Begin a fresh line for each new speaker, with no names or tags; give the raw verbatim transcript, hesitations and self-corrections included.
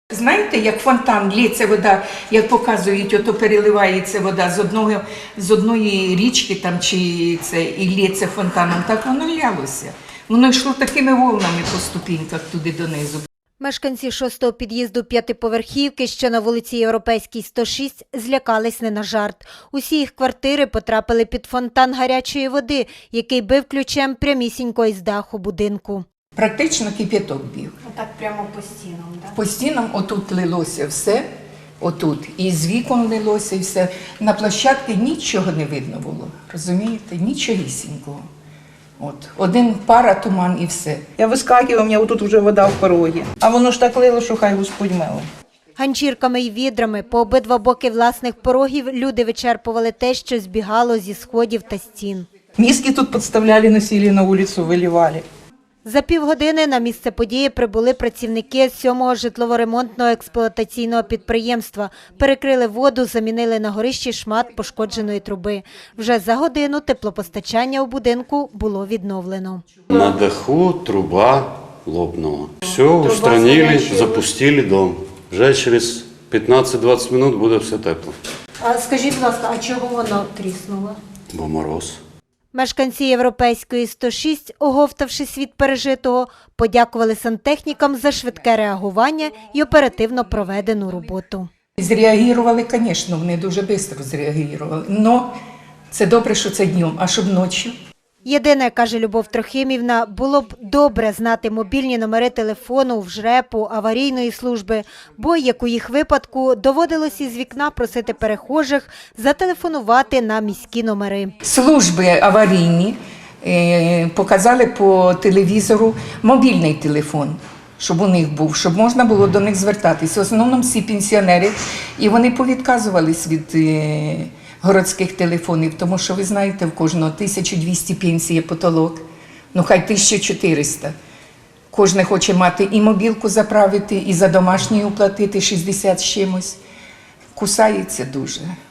Знаєте, як фонтан, лється вода, як показують, ото переливається вода з одного, з одної річки там, чи це, і лється фонтаном, так воно лялося. Воно йшло такими волнами по ступіньках туди донизу.
Мешканці шостого під'їзду п'ятиповерхівки, що на вулиці Європейській, сто шість, злякались не на жарт. Усі їх квартири потрапили під фонтан гарячої води, який бив ключем прямісінько із даху будинку.
Практично кип'яток бив.
Так прямо по стінам, так?
По стінам отут лилося все, отут, і з вікон лилося, і все. На площадці нічого не видно було, розумієте, нічогісінького. От, один пара, туман і все.
Я вискакиваю, у мене отут вже вода в порогі. А воно ж так лило, що хай Господь мило.
Ганчірками й відрами по обидва боки власних порогів люди вичерпували те, що збігало зі сходів та стін.
Миски тут підставляли, носили на вулицю, виливали.
За півгодини на місце події прибули працівники сьомого житлово-ремонтного експлуатаційного підприємства. Перекрили воду, замінили на горищі шмат пошкодженої труби. Вже за годину теплопостачання у будинку було відновлено.
На даху труба лопнула. Все устранили, запустили дом. Вже через п'ятнадцять-двадцять минут буде все тепло.
А скажіть, будь ласка, а чого воно тріснуло?
Бо мороз.
Мешканці Європейської сто шість, оговтавшись від пережитого, подякували сантехнікам за швидке реагування і оперативно проведену роботу.
Зреагували, звісно, вони дуже швидко зреагували. Але це добре, що це днем, а щоб ночі.
Єдине, каже Любов Трохимівна, було б добре знати мобільні номери телефону в ЖРЕПу, аварійної служби, бо, як у їх випадку, доводилось із вікна просити перехожих зателефонувати на міські номери.
Служби аварійні е, показали по телевізору мобільний телефон, щоб у них був, щоб можна було до них звертатися. В основному всі пенсіонери, і вони повідказувались від е, городських телефонів, тому що, ви знаєте, в кожного тисяча двісті пенсії потолок, ну хай тисяча чотириста. Кожен хоче мати і мобілку заправити, і за домашній уплатити шістдесят з чимось. Кусається дуже.